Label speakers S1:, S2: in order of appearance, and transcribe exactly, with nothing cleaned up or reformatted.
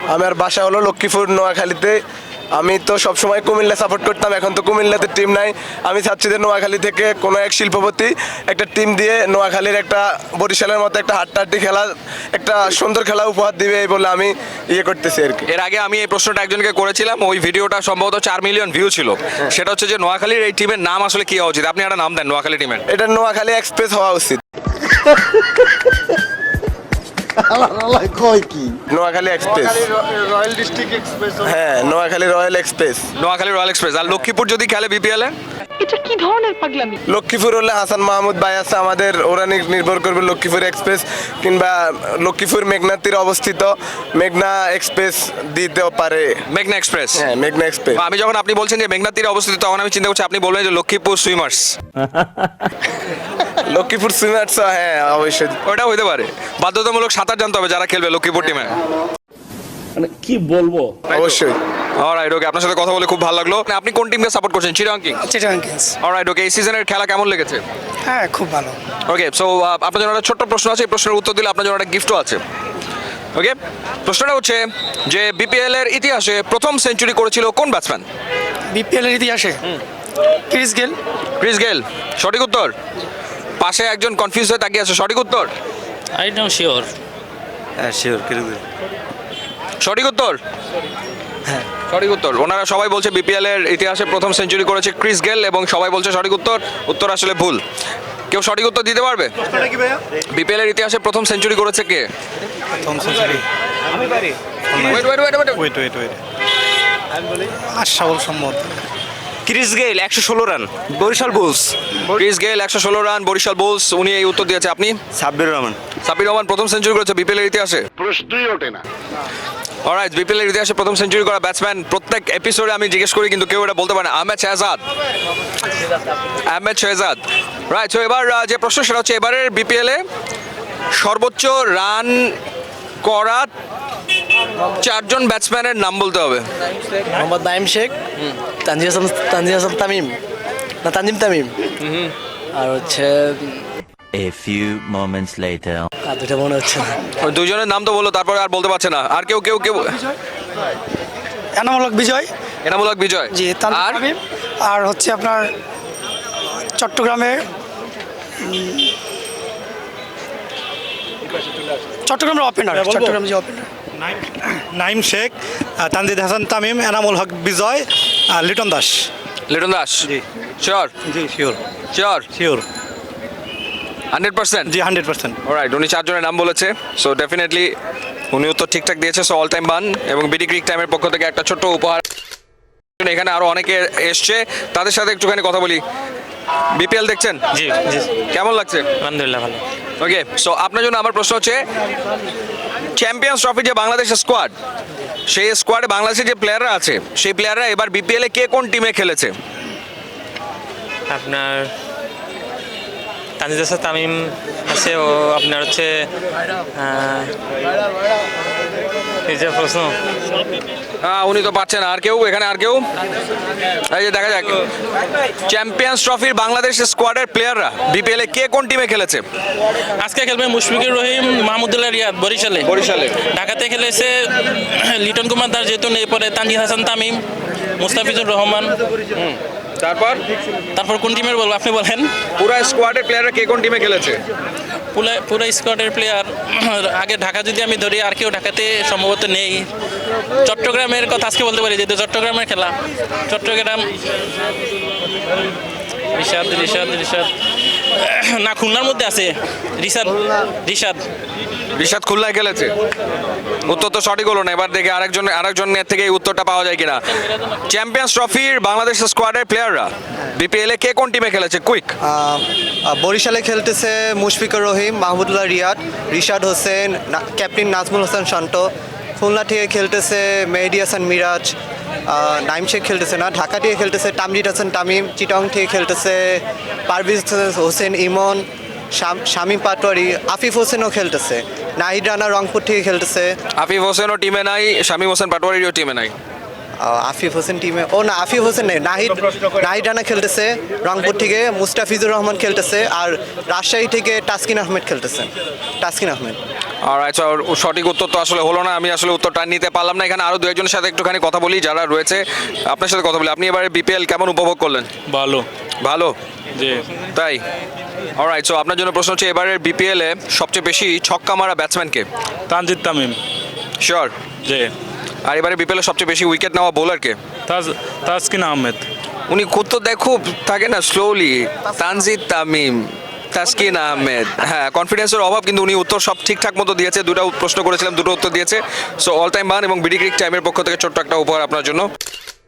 S1: আমার বাসা হলো লক্ষ্মীপুর নোয়াখালীতে। আমি তো সবসময় কুমিল্লা সাপোর্ট করতাম, এখন তো কুমিল্লাতে টিম নাই। আমি চাচ্ছি যে নোয়াখালী থেকে কোনো এক শিল্পপতি একটা টিম দিয়ে নোয়াখালীর একটা বরিশালের মতো একটা হাড্ডাহাড্ডি খেলা, একটা সুন্দর খেলা উপহার দিবে এই বলে আমি ইয়ে করতেছি আর কি।
S2: এর আগে আমি এই প্রশ্নটা একজনকে করেছিলাম, ওই ভিডিওটা সম্ভবত চার মিলিয়ন ভিউ ছিল। সেটা হচ্ছে যে নোয়াখালীর এই টিমের নাম আসলে কি হওয়া উচিত? আপনি একটা নাম দেন নোয়াখালী টিমের।
S1: এটা নোয়াখালী এক্সপ্রেস হওয়া উচিত।
S3: কয় কি
S1: Noakhali express,
S3: royal district express.
S1: হ্যাঁ Noakhali royal express.
S2: Noakhali royal express. আর লক্ষ্মীপুর যদি খেলে বিপিএল এ?
S4: এটা কি ধরনের পাগলামি?
S1: লক্ষ্মীপুর হলে হাসান মাহমুদ ভাই আছে আমাদের, ওরা নি- নির্ভর করবে লক্ষ্মীপুর এক্সপ্রেস কিংবা লক্ষ্মীপুর মেঘনার তীরে অবস্থিত মেঘনা এক্সপ্রেস দিতেও পারে।
S2: মেঘনা এক্সপ্রেস।
S1: হ্যাঁ মেঘনা এক্সপ্রেস।
S2: আমি যখন আপনি বলছেন যে মেঘনা তীরে অবস্থিত, তখন আমি চিন্তা করছি আপনি বলবেন যে লক্ষ্মীপুর সুইমার্স।
S1: লক্ষ্মীপুর সুইমার্স, হ্যাঁ অবশ্যই।
S2: ওটা হইতে পারে। বাধ্যতামূলক সাঁতার জানতে হবে যারা খেলবে লক্ষ্মীপুর টিমে।
S5: মানে কি বলবো,
S1: অবশ্যই।
S2: অলরাইট, ওকে, আপনার সাথে কথা বলে খুব ভালো লাগলো। আপনি কোন টিমকে সাপোর্ট করছেন? Chittagong Kings.
S6: Chittagong Kings.
S2: Alright, okay, এই সিজনের খেলা কেমন লেগেছে?
S6: হ্যাঁ খুব ভালো।
S2: ওকে, সো আপনার জন্য একটা ছোট্ট প্রশ্ন আছে, এই প্রশ্নের উত্তর দিলে আপনার জন্য একটা গিফটও আছে। ওকে, প্রশ্নটা হচ্ছে যে বিপিএল এর ইতিহাসে প্রথম সেঞ্চুরি করেছিল কোন ব্যাটসম্যান?
S6: বিপিএল এর ইতিহাসে ক্রিস গেল।
S2: ক্রিস গেল সঠিক উত্তর। পাশে একজন কনফিউজ হয়ে তাকিয়ে আছে, সঠিক উত্তর?
S7: I know sure.
S3: হ্যাঁ শিওর ক্রিস গেল।
S2: সঠিক উত্তর? হ্যাঁ সঠিক উত্তর। ওনারা সবাই বলছে বিপিএল এর ইতিহাসে প্রথম সেঞ্চুরি করেছে ক্রিস গেল এবং সবাই বলছে সঠিক উত্তর। উত্তর আসলে ভুল। কেউ সঠিক উত্তর দিতে পারবে? বিপিএল এর ইতিহাসে প্রথম সেঞ্চুরি করেছে কে?
S6: প্রথম century
S2: wait wait wait wait
S6: wait wait wait Ashraful সম্মত।
S3: ক্রিস গেল একশো ষোলো run, Barishal bull's.
S2: Chris Gayle একশো ষোলো রান, বরিশাল বুলস। উনি এই উত্তর দিয়েছে। আপনি?
S3: সাব্বির রহমান।
S2: সাব্বির রহমান প্রথম সেঞ্চুরি করেছে বিপিএল এর ইতিহাসে।
S3: প্রশ্নই ওঠে না।
S2: অলরাইট, বিপিএল এর ইতিহাসে প্রথম সেঞ্চুরি করা ব্যাটসম্যান প্রত্যেক এপিসোডে আমি জিজ্ঞেস করি কিন্তু কেউ এটা বলতে পারে না। আহমেদ শেহজাদ। আহমেদ শেহজাদ, রাইট। সো এবার আহ, যে প্রশ্ন সেটা হচ্ছে এবারের বিপিএল এ সর্বোচ্চ রান করা চারজন ব্যাটসম্যানের নাম বলতে হবে।
S8: মোহাম্মদ নাইম শেখ, তানজিম হাসান তানজিম হাসান তামিম না তানজিম তামিম, আর হচ্ছে
S9: A few moments later.
S8: আর দুটা মনে হচ্ছে না।
S2: ওই দুইজনের নাম তো বললো, তারপরে আর বলতে পারছে না। আর কেউ কেউ কেউ
S6: এনামূলক বিজয়।
S2: এনামূলক বিজয়।
S6: জি
S2: আর
S6: তানজিম। আর হচ্ছে আপনার চট্টগ্রামে চট্টগ্রামের ওপেনার, চট্টগ্রাম যে ওপেনার
S10: নাইম শেখ, তানজিদ হাসান তামিম, এনামুল হক বিজয়, আর লিটন দাস।
S2: লিটন দাস। শিওর?
S10: জি sure
S2: sure?
S10: Sure
S2: hundred percent?
S10: জি হান্ড্রেড পার্সেন্ট।
S2: অলরাইট, উনি চারজনের নাম বলেছে। সো ডেফিনেটলি উনি উত্তর ঠিকঠাক দিয়েছে। সো অল টাইম বান এবং বিডি ক্রিক টাইমের পক্ষ থেকে একটা ছোট্ট উপহার। এখানে আরো অনেকে এসছে, তাদের সাথে একটুখানি কথা বলি। বিপিএল দেখছেন?
S7: জি জি,
S2: কেমন লাগছে?
S7: আলহামদুলিল্লাহ ভালো।
S2: ওকে, সো আপনার জন্য আমার প্রশ্ন হচ্ছে চ্যাম্পিয়ন্স ট্রফি যে বাংলাদেশের স্কোয়াড, সেই স্কোয়াডে বাংলাদেশের যে প্লেয়াররা আছে সেই প্লেয়াররা এবার বিপিএল এ কে কোন টিমে খেলেছে?
S7: আপনার তানজিদ হাসান তামিম আছে, ও আপনার হচ্ছে আহ, এই যে প্রশ্ন
S2: হ্যাঁ উনি তো পাচ্ছেন। আর কেউ এখানে? আর কেউ? এই যে দেখা যাক চ্যাম্পিয়ন্স ট্রফির বাংলাদেশ স্কোয়াডের প্লেয়াররা বিপিএল এ কে কোন টিমে খেলেছে?
S7: আজকে খেলবে মুশফিকুর রহিম, মাহমুদুল্লাহ রিয়াদ বরিশালে।
S2: বরিশালে।
S7: ঢাকাতে খেলেছে লিটন কুমার দাস, যেহেতু নেই, পরে তানজিদ হাসান তামিম, মুস্তাফিজুর রহমান।
S2: তারপর
S7: তারপর কোন টিমের বলবো আপনি বলেন?
S2: পুরো স্কোয়াডের প্লেয়াররা কে কোন টিমে খেলেছে?
S7: পুরো পুরো স্কোয়াডের প্লেয়ার আগে ঢাকা যদি আমি ধরি, আর কেউ ঢাকাতে সম্ভবত নেই। চট্টগ্রামের কথা আজকে বলতে পারি, যেহেতু চট্টগ্রামের খেলা। চট্টগ্রাম রিশাদ রিশাদ রিশাদ না, খুলনার মধ্যে আছে রিশাদ রিশাদ
S2: রিশাদ খুলনায় খেলেছে। উত্তর তো সঠিক হলো না। এবার দেখে আরেকজন আরেকজনের থেকে এই উত্তরটা পাওয়া যায় কিনা। চ্যাম্পিয়ন্স ট্রফির বাংলাদেশ স্কোয়াডের প্লেয়াররা বিপিএল এ কে কোন টিমে খেলেছে? কুইক।
S8: বরিশালে খেলতেছে মুশফিকুর রহিম, মাহমুদুল্লাহ রিয়াদ, রিশাদ হোসেন, ক্যাপ্টেন নাজমুল হোসেন শান্ত। খুলনা থেকে খেলতেছে মেহেদি হাসান মিরাজ, নাইম শেখ খেলতেছে না। ঢাকা থেকে খেলতেছে তামজিদ হাসান তামিম। চিটাগং থেকে খেলতেছে পারভেজ হোসেন ইমন, শামীম পাটোয়ারি, আফিফ হোসেনও খেলতেছে। নাহিদ রানা রংপুর থেকে খেলতেছে।
S2: আফিফ হোসেনও টিমে নাই, শামীম হোসেন পাটোয়ারিও টিমে নাই।
S8: আফিফ হোসেন টিমে, ও না আফিফ হোসেন নেই, নাহিদ নাহিদ রানা খেলতেছে রংপুর থেকে। মুস্তাফিজুর রহমান খেলতেছে। আর রাজশাহী থেকে তাসকিন আহমেদ খেলতেছে। তাসকিন আহমেদ।
S2: অলরাইট সো সঠিক উত্তর তো আসলে হলো না, আমি আসলে উত্তরটা নিতে পারলাম না। এখানে আরো দু একজনের সাথে একটুখানি কথা বলি যারা রয়েছে, আপনার সাথে কথা বলি। আপনি এবারে বিপিএল কেমন উপভোগ করলেন?
S7: ভালো
S2: ভালো,
S7: জি।
S2: তাই? অলরাইট সো আপনার জন্য প্রশ্ন হচ্ছে এবারের বিপিএল এ সবচেয়ে বেশি ছক্কা মারা ব্যাটসম্যানকে?
S7: তানজিদ তামিম।
S2: শিওর?
S7: জি।
S2: আর এবারে বিপিএল এ সবচেয়ে বেশি উইকেট নেওয়া বোলারকে?
S7: তাজ তাসকিন আহমেদ।
S2: উনি খুব তো দেখ খুব থাকে না স্লোলি, তানজিদ তামিম, তাসকিন আহমেদ। হ্যাঁ, কনফিডেন্সের অভাব, কিন্তু উনি উত্তর সব ঠিকঠাক মতো দিয়েছে। দুটো প্রশ্ন করেছিলাম, দুটো উত্তর দিয়েছে। সো অল টাইম বান এবং বিডি ক্রিক টাইমের পক্ষ থেকে ছোট্ট একটা উপহার আপনার জন্য।